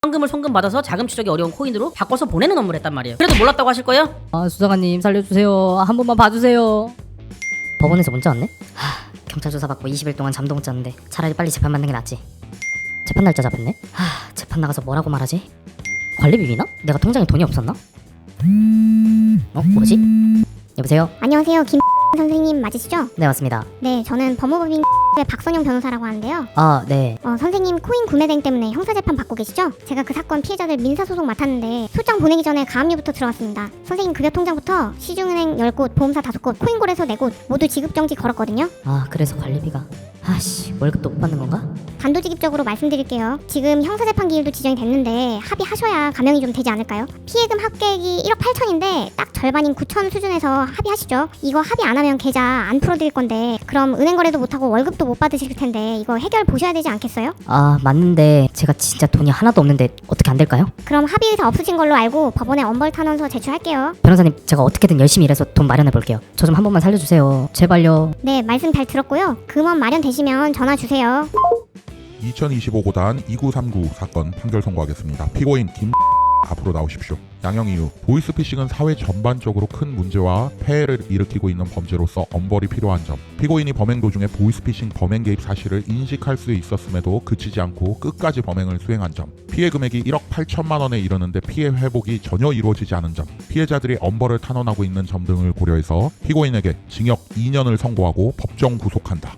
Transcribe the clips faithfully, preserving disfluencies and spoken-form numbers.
현금을 송금받아서 자금 추적이 어려운 코인으로 바꿔서 보내는 업무를 했단 말이에요. 그래도 몰랐다고 하실 거예요? 아 수사관님 살려주세요. 한 번만 봐주세요. 법원에서 문자 왔네? 하, 경찰 조사받고 이십 일 동안 잠도 못 잤는데 차라리 빨리 재판 받는 게 낫지. 재판 날짜 잡았네? 하, 재판 나가서 뭐라고 말하지? 관리비 비나? 내가 통장에 돈이 없었나? 어? 뭐지? 여보세요? 안녕하세요. 김 선생님 맞으시죠? 네 맞습니다. 네, 저는 법무법인 의 박선영 변호사라고 하는데요. 아 네. 어, 선생님 코인 구매 대행 때문에 형사재판 받고 계시죠? 제가 그 사건 피해자들 민사소송 맡았는데 소장 보내기 전에 가압류부터 들어왔습니다. 선생님 급여 통장부터 시중은행 열 곳, 보험사 다섯 곳, 코인골에서 네 곳 모두 지급정지 걸었거든요. 아 그래서 관리비가 아씨 월급도 못 받는 건가? 단도직입적으로 말씀드릴게요. 지금 형사재판 기일도 지정이 됐는데 합의하셔야 감형이 좀 되지 않을까요? 피해금 합계액이 일억 팔천인데 딱 절반인 구천 수준에서 합의하시죠. 이거 합의 안 하면 계좌 안 풀어드릴 건데 그럼 은행 거래도 못하고 월급도 못 받으실 텐데 이거 해결 보셔야 되지 않겠어요? 아 맞는데 제가 진짜 돈이 하나도 없는데 어떻게 안 될까요? 그럼 합의 의사 없으신 걸로 알고 법원에 엄벌 탄원서 제출할게요. 변호사님 제가 어떻게든 열심히 일해서 돈 마련해 볼게요. 저 좀 한 번만 살려주세요. 제발요. 네, 말씀 잘 들었고요. 금원 마련되시면 전화 주세요. 이천이십오 고단 이구삼구 사건 판결 선고하겠습니다. 피고인 김 앞으로 나오십시오. 양형 이유. 보이스피싱은 사회 전반적으로 큰 문제와 폐해를 일으키고 있는 범죄로서 엄벌이 필요한 점. 피고인이 범행 도중에 보이스피싱 범행 개입 사실을 인식할 수 있었음에도 그치지 않고 끝까지 범행을 수행한 점. 피해 금액이 일억 팔천만 원에 이르는데 피해 회복이 전혀 이루어지지 않은 점. 피해자들이 엄벌을 탄원하고 있는 점 등을 고려해서 피고인에게 징역 이 년을 선고하고 법정 구속한다.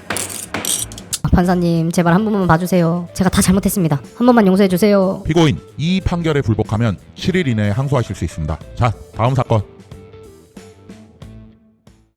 판사님 제발 한 번만 봐주세요. 제가 다 잘못했습니다. 한 번만 용서해주세요. 피고인 이 판결에 불복하면 칠 일 이내에 항소하실 수 있습니다. 자, 다음 사건.